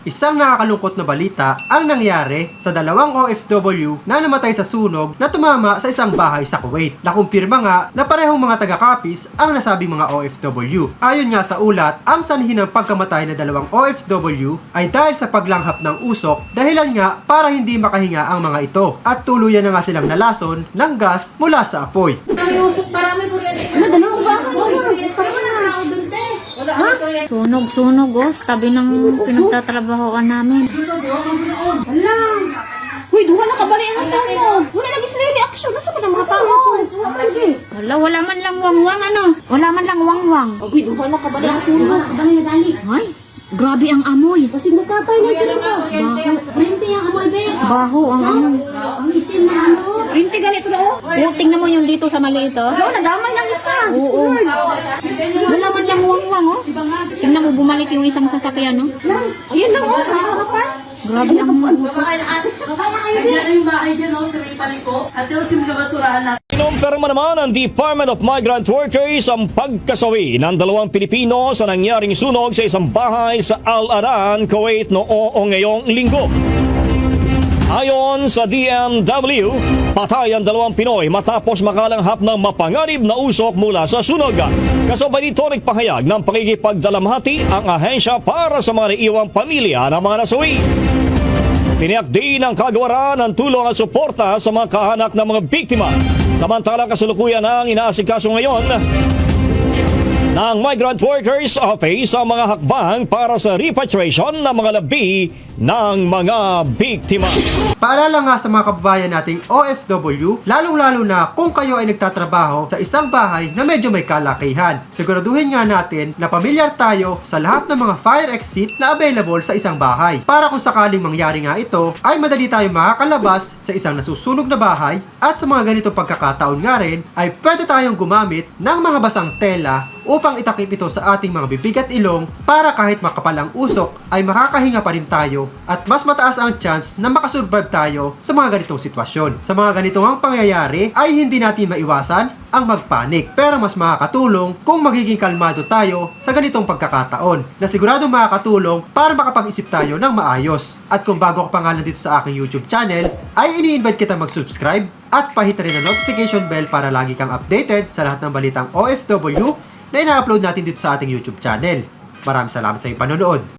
Isang nakakalungkot na balita ang nangyari sa dalawang OFW na namatay sa sunog na tumama sa isang bahay sa Kuwait. Nakumpirma nga na parehong mga taga-Capiz ang nasabing mga OFW. Ayon nga sa ulat, ang sanhi ng pagkamatay na dalawang OFW ay dahil sa paglanghap ng usok, dahilan nga para hindi makahinga ang mga ito at tuluyan na nga silang nalason ng gas mula sa apoy. Sunog oh, tabi ng pinagtatrabahoan namin. Hala! Uy, duha na kabali ang sunog! Wala lagi sila reaction. Nasa ba ng mga tao? Wala, wala man lang wangwang ano. Wala man lang wangwang. Uy, duha na kabali ang sunog. Ay, grabe ang amoy. Kasi magpatay na ito ba? Rinti ang amoy, be. Baho ang amoy. Ang itim na ano. Rinti ganito na oh. Oh, tingnan mo yung dito sa maliit oh. Oo, nadamay ng isa. Oo. Wala man lang wangwang oh. Tingnan mo bumalik yung isang sasakyan no. Ayun lang oh, sa harapan. Grabe ang amoy. Kinumpirma naman ng Department of Migrant Workers ang pagkasawi ng dalawang Pilipino sa nangyaring sunog sa isang bahay sa Al-Aran, Kuwait noong ngayong linggo. Ayon sa DMW, patay ang dalawang Pinoy matapos makalanghap ng mapanganib na usok mula sa sunog. Kasabay nito nagpahayag ng pakikipagdalamhati ang ahensya para sa mga naiwang pamilya ng mga nasawi. Tiniyak din ang kagawaran ng tulong at suporta sa mga kaanak ng mga biktima. Samantalang kasalukuyan ang inaasikaso ngayon ng Migrant Workers Office ang mga hakbang para sa repatriation ng mga labi ng mga biktima. Paalala nga sa mga kababayan nating OFW, lalong-lalo na kung kayo ay nagtatrabaho sa isang bahay na medyo may kalakihan. Siguraduhin nga natin na pamilyar tayo sa lahat ng mga fire exit na available sa isang bahay. Para kung sakaling mangyari nga ito, ay madali tayo makakalabas sa isang nasusunog na bahay at sa mga ganitong pagkakataon nga rin, ay pwede tayong gumamit ng mga basang tela upang itakip ito sa ating mga bibig at ilong para kahit makapal ang usok ay makakahinga pa rin tayo at mas mataas ang chance na makasurvive tayo sa mga ganitong sitwasyon. Sa mga ganitong ang pangyayari ay hindi natin maiwasan ang magpanik, pero mas makakatulong kung magiging kalmado tayo sa ganitong pagkakataon na siguradong makakatulong para makapag-isip tayo ng maayos. At kung bago ka pa nga lang dito sa aking YouTube channel, ay ini-invite kita mag-subscribe at pahit rin ang notification bell para lagi kang updated sa lahat ng balitang OFW na ina-upload natin dito sa ating YouTube channel. Maraming salamat sa iyong panonood.